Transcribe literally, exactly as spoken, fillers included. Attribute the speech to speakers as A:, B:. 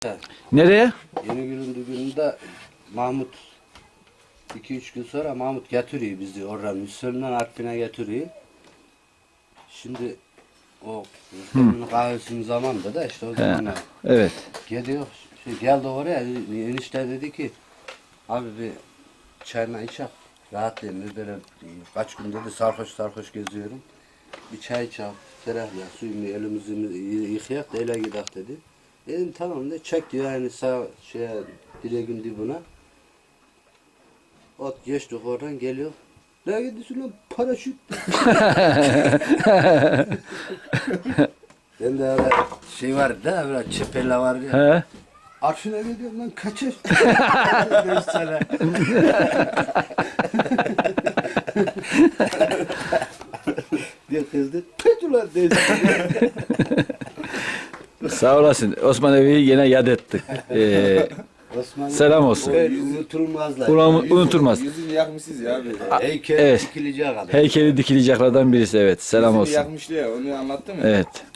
A: Nereye?
B: Yeni günün düğününde Mahmut iki üç gün sonra Mahmut getiriyor bizi oradan Müslüman Artvin'e getiriyor. Şimdi o Müslüman'ın kahvesinin zamanında da işte o zamanlar
A: Evet.
B: gidiyor. Şey, geldi oraya enişte dedi ki abi bir çayla içek rahatlayayım böyle kaç gün dedi sarhoş sarhoş geziyorum. Bir çay içek ferahla suyumu elimizi yıkayak da ele gidelim dedi. Dedim tamam de çek diyor yani sağ şeye direğin dibine. Ot geçtik oradan geliyor. Ne gidiyorsun lan paraşüt. Ben de öyle şey var da böyle çepelle var ya.
A: He.
B: Arşına gidiyorum lan kaçır. Beş sene. diye kızdı. Peki lan dedi.
A: Sağ olasın. Osman Evi'yi yine yad ettik. Ee,
B: Osman
A: Selam olsun.
B: Evet, unutulmazlar.
A: ulan- unutulmaz.
C: Yüzünü yakmışsınız ya abi.
B: Heykel
A: Evet.
B: dikilecek adam.
A: Heykeli dikileceklerden birisi. Evet. Selam
C: Yüzünü
A: olsun.
C: yakmıştı ya, onu anlattı mı?
A: Evet.